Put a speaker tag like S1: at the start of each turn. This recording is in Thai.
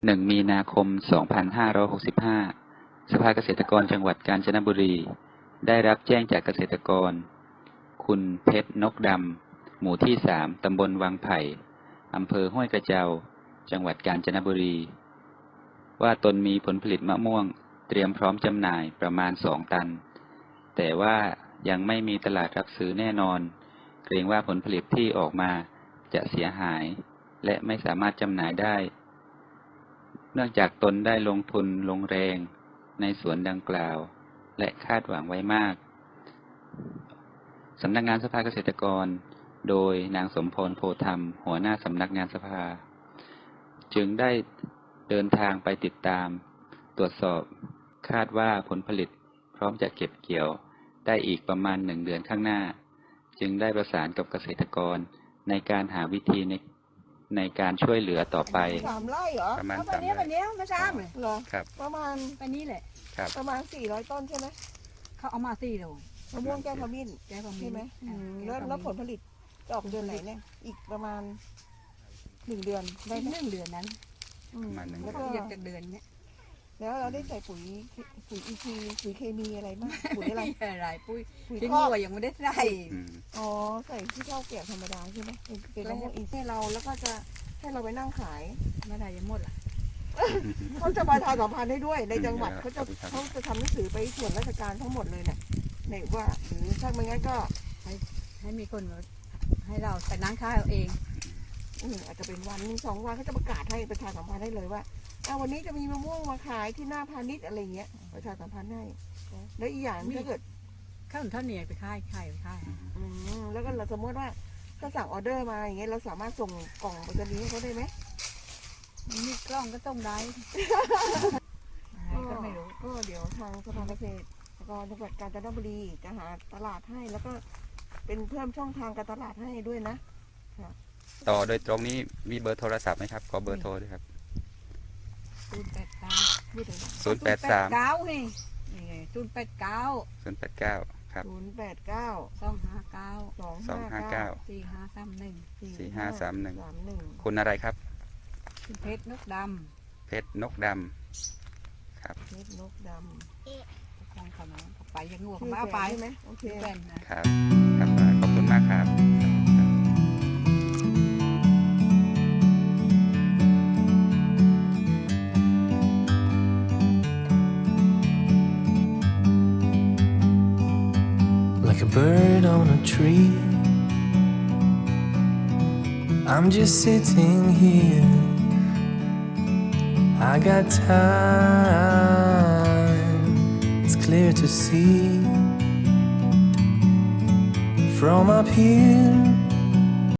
S1: 1 มีนาคม 2565 สภาเกษตรกรจังหวัดกาญจนบุรีได้รับแจ้งจากเกษตรกรคุณเพชรนกดำหมู่ที่ 3 ตำบลวังไผ่อำเภอห้วยกระเจ้าจังหวัดกาญจนบุรีว่าตนมีผลผลิตมะม่วงเตรียมพร้อมจำหน่ายประมาณ 2 ตันแต่ว่ายังไม่มีตลาดรับซื้อแน่นอนเกรงว่าผลผลิตที่ออกมาจะเสียหายและไม่สามารถจำหน่ายได้เนื่องจากตนได้ลงทุนลงแรงในสวนดังกล่าวและคาดหวังไว้มากสำนักงานสภาเกษตรกรโดยนางสมพรโพธรรมหัวหน้าสำนักงานสภาจึงได้เดินทางไปติดตามตรวจสอบคาดว่าผลผลิตพร้อมจะเก็บเกี่ยวได้อีกประมาณ1 เดือนข้างหน้าจึงได้ประสานกับเกษตรกรในการหาวิธีในการช่วยเหลือต่อไป
S2: 3 ไร่เหรอ
S1: ประมาณ
S3: วันนี้ไม่ทราบเลย
S2: เหรอ
S1: ครับ
S2: ประมาณ
S3: วันนี้แหละ
S1: ครับ
S2: ประมาณ400 ต้นใช่ไหม
S3: เขาเอามา4 โล
S2: มะม่วงแก้วขมิ้น
S3: แก้วขมิ้น
S2: ใช่ไหม แล้วผลผลิตจะออกเดือนไหนเนี่ยอีกประมาณ1 เดือนได้
S3: ได้
S2: ไหม
S3: 1 เดือนนั้น
S1: ประมาณ1
S2: แล้ว
S3: ก็
S2: ก็
S3: เยียบจากเดือนเนี้ย
S2: แล้วเราได้ใส่ปุ๋ยอีทีปุ๋ยเคมีอะไรบ้างปุ๋ยอะไร
S3: อะไรปุ้ย
S2: ปุ๋ย
S3: ทิ้ง
S2: คอก
S3: วัวยังไม่ได้ใส่
S1: อืม
S2: อ๋อใส่ที่ข้าวเกลียบธรรมดาใช่ไหมเป็น
S3: แล้
S2: มะ
S3: ว
S2: ม่วงอีกให้เราแล้วก็จะให้เราไปนั่งขาย
S3: ไม่ได้ยังหมดล่ะ
S2: เขาจะประชาสัมพันธ์ให้ด้วยในจังหวัด
S1: อืม
S2: เขาจะ
S1: ครับ
S2: เขาจะทำหนังสือไปส่วนราชการทั้งหมดเลยเนี่ยไหนว่าหรือถ้าไม่งั้นก็
S3: ให้มีคนมาให้เราแต่นั่งข้าวเอาเอง
S2: อาจจะเป็นวันหนึ่ง2 วันเขาจะประกาศให้ประชาสัมพันธ์ได้เลยว่าวันนี้จะมีมะม่วงมาขายที่หน้าพาณิชย์อะไรเงี้ยประชาสัมพันธ์ให้แล้วอีกอย่างถ้าเกิด
S3: ข้าวหนุนท่าเหนียวไปค่ายไปค่าย
S2: แล้วก็เราสมมติว่าถ้าสั่งออเดอร์มาอย่างเงี้ยเราสามารถส่งกล่องไปรษณีย์ให้เขาได้ไหม
S3: มีกล้องก็ต้องได้ก็ไม่รู้
S2: ก็เดี๋ยวทางสภาเกษตรแล้วก็จังหวัดกาญจนบุรีจะหาตลาดให้แล้วก็เป็นเพิ่มช่องทางการตลาดให้ด้วยนะ
S1: ต่อโดยตรงนี้มีเบอร์โทรศัพท์ไหมครับขอเบอร์โทรด้วยครับ
S3: 089
S2: พูดถึง
S1: 083
S3: 089นี่089
S1: 089 ครับ
S2: 089
S3: 259
S1: 259
S3: 4531
S1: 4531คุณอะไรครับ
S3: คุณเพชรนกด
S1: เพชรนกดำครับ
S2: เพชรนกด
S3: ำของเขาเนาะไปยังงัว
S2: ำ
S3: เขาเอาไป
S2: ใช่ไหมโอเค
S3: เป็นนะ
S1: ครับครับขอบคุณมากครับ
S4: Like a bird on a tree, I'm just sitting here. I got time, it's clear to see. From up here